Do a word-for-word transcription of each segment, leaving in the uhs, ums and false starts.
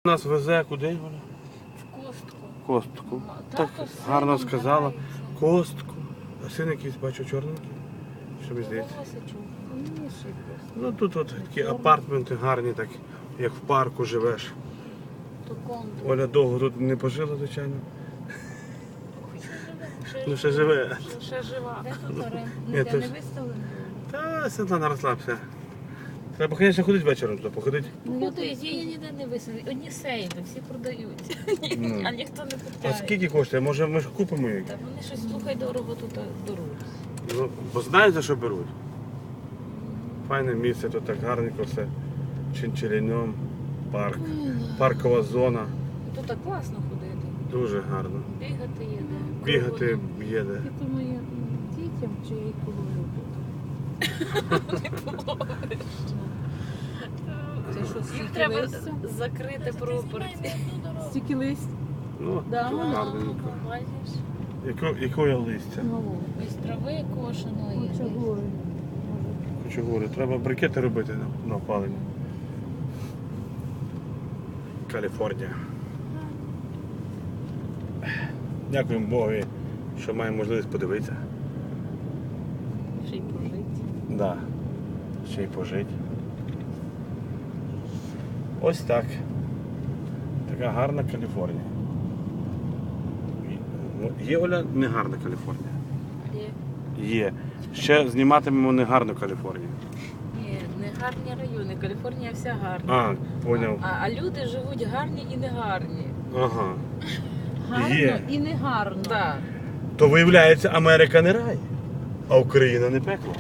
Нас везе куди, Оля? В Костку. Костку. Тато Так з гарно сином сказала. катається. Костку. А син якийсь, бачу, чорненький. Що мені здається? Волосичок. Ну тут от такі апартменти гарні, так як в парку живеш. То контур. Оля довго тут не пожила, звичайно. Ще Ну ще живе. Ще жива. Де тут оренда? Ні, Ніде то не ж- виставлено? Та Світлана, розслабся. Треба, звісно, ходити вечором туди, походити. Ну, я Куди? тут Її ніде не висадили. Одні сейви, всі продають. Ну. А ніхто не А купляє. скільки коштує? Може ми ж купимо їх? Та вони щось, слухай, дорого тут беруть. Ну, бо знають, за що беруть. Файне місце, тут так гарненько все. Чинчеліньом, парк, паркова зона. Тут так класно ходити. Дуже гарно. Бігати є де. Бігати Кругом. є де. Я думаю, м, дітям чи я їх половлю тут. Це що, Їх стільки треба листя? закрити пропорції. Стільки листь? Ну, Да, тут воно. гарненько. Бачиш? Яко, якої листя? Ну, Із трави кошеної. хочу гори. Хочу говорити, треба брикети робити на, на опалення. Каліфорнія. Дякуємо Богу, що маємо можливість подивитися. Ще й прожити. Да. Ще й пожити. Ось так. Така гарна Каліфорнія. Ну, є, Оля, не гарна Каліфорнія. Є. Є. Ще зніматимемо не гарну Каліфорнію. Ні, не гарні райони. Каліфорнія вся гарна. А, поняв. А, а люди живуть гарні і не гарні. Ага. Гарно Є. і не гарно. Так. То виявляється, Америка не рай, а Україна не пекло.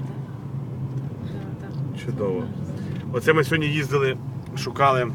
Чудово. Оце ми сьогодні їздили, шукали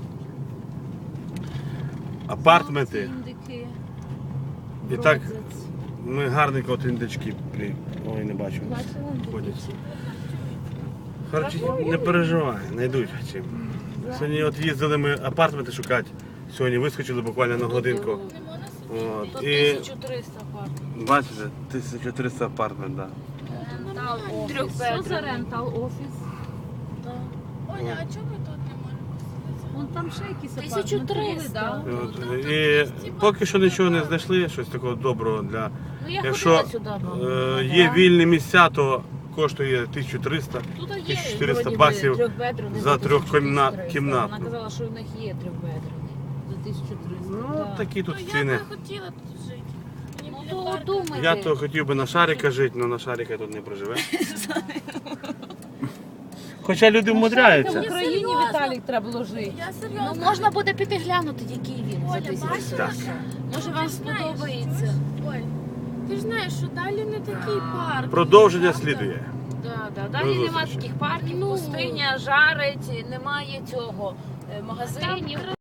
апартменти. Індики. І так Бродзець. ми гарненько от індички. при- Ой, не бачу. Бачила індики? Ходять. Харчі, не переживай, знайдуть чим. Сьогодні от їздили ми апартменти шукати. Сьогодні вискочили буквально на годинку. От. Тут І тисяча триста пар. бачите, тисяча триста апартмент, так. Що за рентал офіс? Оля, а чого ми тут не можемо поселитися? Вон там ще якісь тисячу апартаменти були, триста. да? От, і поки що нічого не знайшли, щось такого доброго для. Ну я Якщо ходила сюди. е, є вільні місця, то коштує тисячу триста. Тут є тисяча чотириста вроді би, баксів трьохбедрений за тисячу трьохкімна- триста. кімнатну. Вона казала, що в них є трьохбедрений. За тисячу триста. Ну, Да. такі тут Ну, я ціни. би хотіла тут жити. Мені Ну біля то парку. думайте. Я то хотів би на шарика жити, але на шарика тут не проживе. Хоча люди В вмудряються. Україні серйозно. Віталік треба було жити. Я Ну серйозно. можна буде піти глянути, який він за Оля, тисячу. бачиш? Так. Може вам Ти ж знаєш, сподобається. Оль, ти ж знаєш, що далі не такий парк. Продовження правда? слідує. Да, да. До Далі немає зустрічі. таких парків, Ну. пустиня, жарить, немає цього е, магазинів.